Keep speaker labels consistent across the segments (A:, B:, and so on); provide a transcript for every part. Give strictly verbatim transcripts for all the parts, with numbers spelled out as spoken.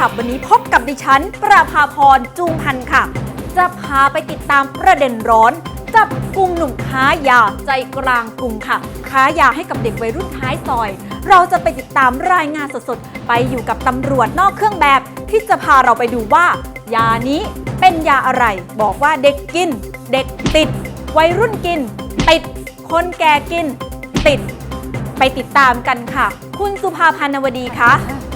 A: ลับวันนี้พบกับดิฉันประภาพรจูงพันธ์ค่ะจะพาไปติดตามประเด็นร้อนจับกุมหนุ่มค้ายาใจกลางกรุงค่ะค้ายาให้กับเด็กวัยรุ่นท้ายซอยเราจะไปติดตามรายงานสดๆไปอยู่กับตำรวจนอกเครื่องแบบที่จะพาเราไปดูว่ายานี้เป็นยาอะไรบอกว่าเด็กกินเด็กติดวัยรุ่นกินติดคนแก่กินติดไปติดตามกันค่ะคุณสุภาพันธ์นวดีคะ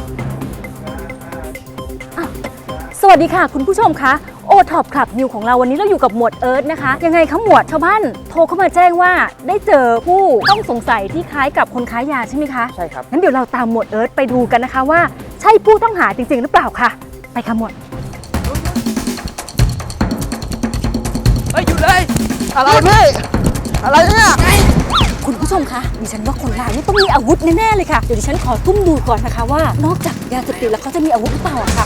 B: สวัสดีค่ะคุณผู้ชมคะโอท็อปคลับนิวของเราวันนี้เราอยู่กับหมวดเอิร์ธนะคะยังไงคะหมวดชาวบ้านโทรเข้ามาแจ้งว่าได้เจอผู้ต้องสงสัยที่คล้ายกับคนค้ายาใช่ไหมคะ
C: ใช่ครับ
B: งั้นเดี๋ยวเราตามหมวดเอิร์ธไปดูกันนะคะว่าใช่ผู้ต้องหาจริงๆหรือเปล่าค่ะไปค่ะหมวด
C: เฮ้ยหยุดเลยอะไรพี่อะไรเนี่ย
B: คุณผู้ชมคะดิฉันว่าคนร้ายนี่ต้องมีอาวุธแน่ๆเลยค่ะเดี๋ยวดิฉันขอตุ้มดูก่อนนะคะว่านอกจากยาเสพติดแล้วเขาจะมีอาวุธหรือเปล่าค่ะ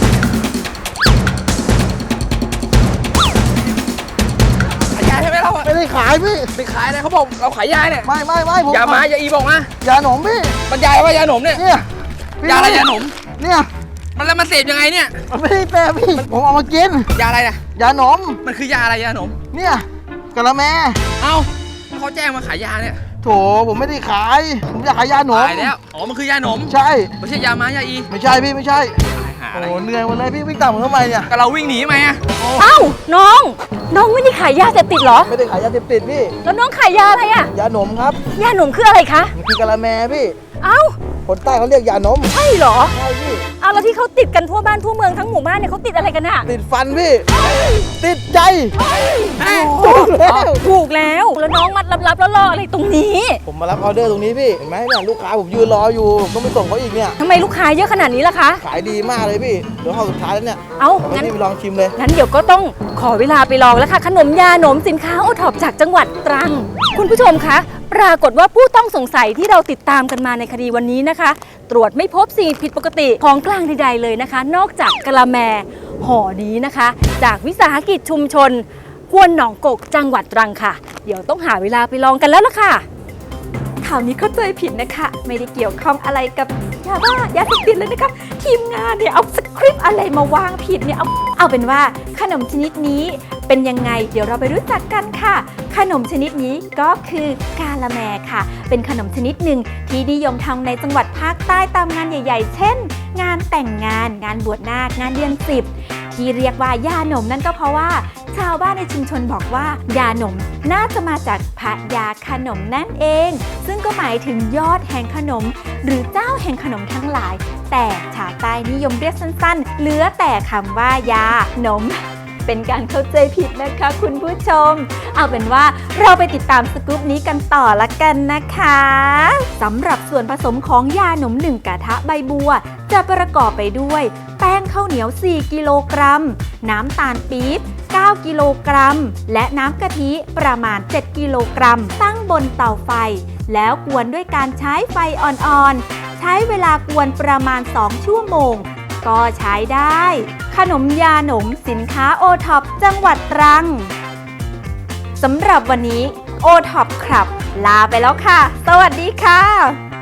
C: ขายยาใช่ไหมเราไม่ได้ขายพี่ไปขายอะไรเขาบอกเราขายยาเนี่ยไม่ไม่ไม่ผมยามาอย่าอีบอกนะยาหนมพี่มันยาว่ายาหนมเนี่ยเนี่ยยาอะไรยาหนมเนี่ยมันแล้วมันเสพยังไงเนี่ยมันไม่ได้แปลพี่ผมเอามากินยาอะไรนะยาหนมมันคือยาอะไรยาหนมเนี่ยกะละแมเอ้าเขาแจ้งมาขายยาเนี่ยโถผมไม่ได้ขายผมอยากขายยาหนมขายแล้วอ๋อมันคือยาหนมใช่ไม่ใช่ยามายาอีไม่ใช่พี่ไม่ใช่โอ้เหนื่อยหมดเลยพี่วิ่งตามผมทำไมเนี่ยก็เราวิ่งหนีไหมอ่ะ
B: เอ้าน้องน้องไม่ได้ขายยาเสพติดเหรอ
C: ไม่ได้ขายยาเสพติดพี่
B: แล้วน้องขายยาอะไรอ่ะ
C: ยาหนมครับ
B: ยาหนมคืออะไรคะ
C: มันคือกะละแมพี่
B: เอ้า
C: คนใต้เขาเรียกยาหนม
B: ใช่เหรอ
C: ใช่พี่
B: เอาแล้วที่เขาติดกันทั่วบ้านทั่วเมืองทั้งหมู่บ้านเนี่ยเขาติดอะไรกันอ่ะ
C: ติดฟันพี่ติดใจ
B: ถูกแล้วถูกแล้วแล้วน้องมัดลับๆแล้วรออะไรตรงนี้
C: ผมมารับออเดอร์ตรงนี้พี่เห็นไหมเนี่ยลูกค้าผมยืนรออยู่ต้องไปส่งเขาอีกเนี่ย
B: ทำไมลูกค้าเยอะขนาดนี้ล่ะคะ
C: ขายดีมากเลยพี่เดี๋ยวเข้าสุดท้ายแล้วเนี่ย
B: เอางั้น
C: ไปลองชิมเลย
B: งั้นเดี๋ยวก็ต้องขอเวลาไปลองแล้วค่ะขนมยาหนมสินค้าโอท็อปจากจังหวัดตรังคุณผู้ชมคะปรากฏว่าผู้ต้องสงสัยที่เราติดตามกันมาในคดีวันนี้นะคะตรวจไม่พบสิ่งผิดปกติของกลางใดๆเลยนะคะนอกจากกะละแมห่อนี้นะคะจากวิสาหกิจชุมชนควนหนองกกจังหวัดตรังค่ะเดี๋ยวต้องหาเวลาไปลองกันแล้วล่ะค่ะ
A: ข่าวนี้เข้าใจผิดนะคะไม่ได้เกี่ยวข้องอะไรกับยาบ้ายาเสพติดเลยนะคะทีมงานเนี่ยเอาสคริปต์อะไรมาวางผิดเนี่ยเอาเอาเป็นว่าขนมชนิดนี้เป็นยังไงเดี๋ยวเราไปรู้จักกันค่ะขนมชนิดนี้ก็คือกาละแมค่ะเป็นขนมชนิดหนึ่งที่นิยมทำในจังหวัดภาคใต้ตามงานใหญ่ๆเช่นงานแต่งงานงานบวชนาคงานเดือนสิบที่เรียกว่ายาหนมนั่นก็เพราะว่าชาวบ้านในชุมชนบอกว่ายาหนมน่าจะมาจากพระยาขนมนั่นเองซึ่งก็หมายถึงยอดแห่งขนมหรือเจ้าแห่งขนมทั้งหลายแต่ชาวใต้นิยมเรียกสั้นๆเหลือแต่คำว่ายาหนมเป็นการเข้าใจผิดนะคะคุณผู้ชมเอาเป็นว่าเราไปติดตามสกู๊ปนี้กันต่อละกันนะคะสำหรับส่วนผสมของยาหนมหนึ่งกระทะใบบัวจะประกอบไปด้วยแป้งข้าวเหนียวสี่กิโลกรัมน้ำตาลปี๊บเก้ากิโลกรัมและน้ำกะทิประมาณเจ็ดกิโลกรัมตั้งบนเตาไฟแล้วกวนด้วยการใช้ไฟอ่อนๆใช้เวลากวนประมาณสองชั่วโมงก็ใช้ได้ขนมยาหนมสินค้าโอท็อปจังหวัดตรังสำหรับวันนี้โอท็อปครับลาไปแล้วค่ะสวัสดีค่ะ